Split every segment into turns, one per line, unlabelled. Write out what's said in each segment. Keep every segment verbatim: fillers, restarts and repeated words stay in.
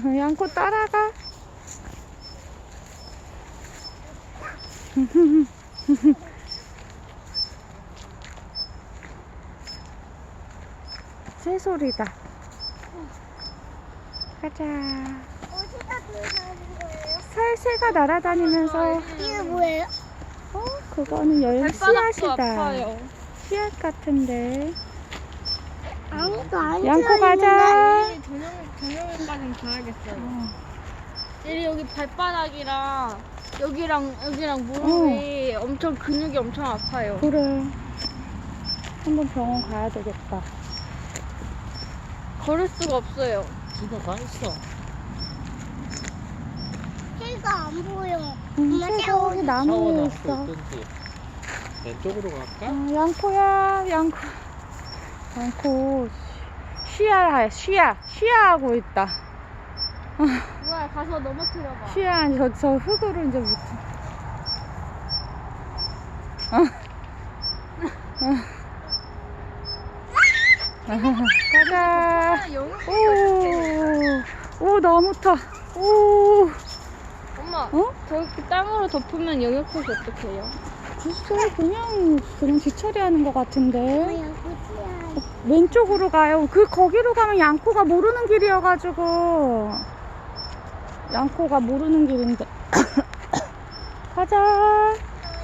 양코 따라가. 새소리다. 가자.
어디다 들어가는 거예요?
살새가 날아다니면서.
이게 뭐예요?
어, 그거는 열
발바닥도
씨앗이다.
아파요.
씨앗 같은데.
아무도 안
양코 가자.
내일 저녁, 저녁에까지는 가야겠어요.
어.
내일 여기 발바닥이랑 여기랑 여기랑 무릎이 엄청 근육이 엄청 아파요.
그래. 한번 병원 가야 되겠다.
걸을 수가 없어요.
집에 가 있어.
새가 안 보여.
응,
엄마
새가
샤워.
거기
샤워
나무에
나무도
있어.
있던데. 왼쪽으로 갈까?
어, 양코야, 양코. 양코. 쉬야, 쉬야, 쉬야 하고 있다.
뭐야, 가서 넘어뜨려봐.
쉬야, 저, 저 흙으로 이제 못. 가자. 오, 오, 나무 타. 오,
엄마,
어?
저기 땅으로 덮으면 영역포시 어떡해요?
글쎄, 그냥, 그냥 뒤처리하는 것 같은데.
뭐야, 고치야.
왼쪽으로 가요. 그, 거기로 가면 양코가 모르는 길이어가지고. 양코가 모르는 길인데. 가자.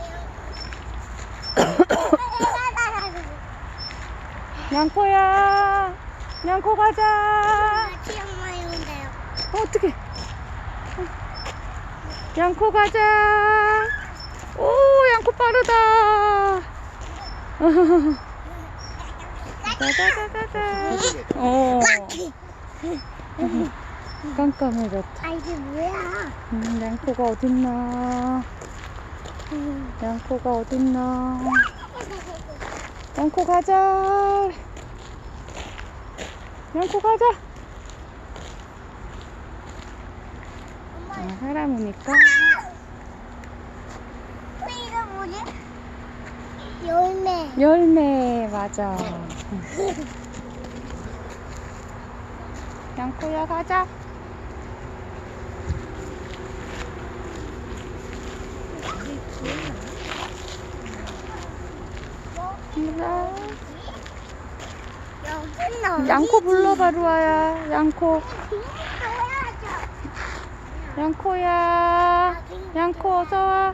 양코야. 양코 가자.
치엄마 이런데요.
어, 어떡해. 양코 가자. 오, 양코 빠르다. 가자가자가자. 어. 깜깜해졌다.
아, 이게 뭐야?
음, 양코가 어딨나. 양코가 어딨나. 양코 가자. 양코 가자. 아, 사람 오니까.
어, 이거 뭐지? 열매.
열매, 맞아. 양코야, 가자. 가자.
여기는 어디지?
양코 불러봐, 루아야. 양코.
보여줘.
양코야. 양코, 어서와.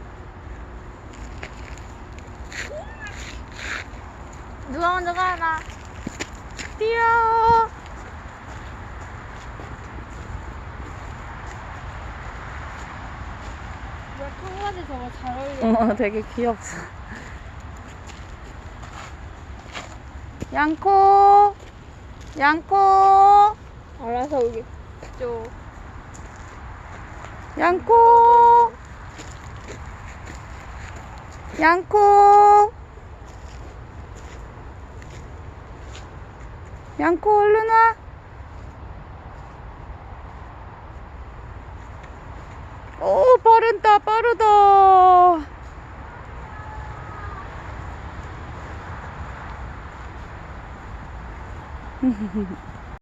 누가 먼저 가나?
뛰어.
뭐야, 청바지 저거 잘 어울려.
어, 되게 귀엽어. 양코. 양코.
알아서 오겠죠.
양코. 양코. 양코, 얼른 와. 오, 빠른다, 빠르다.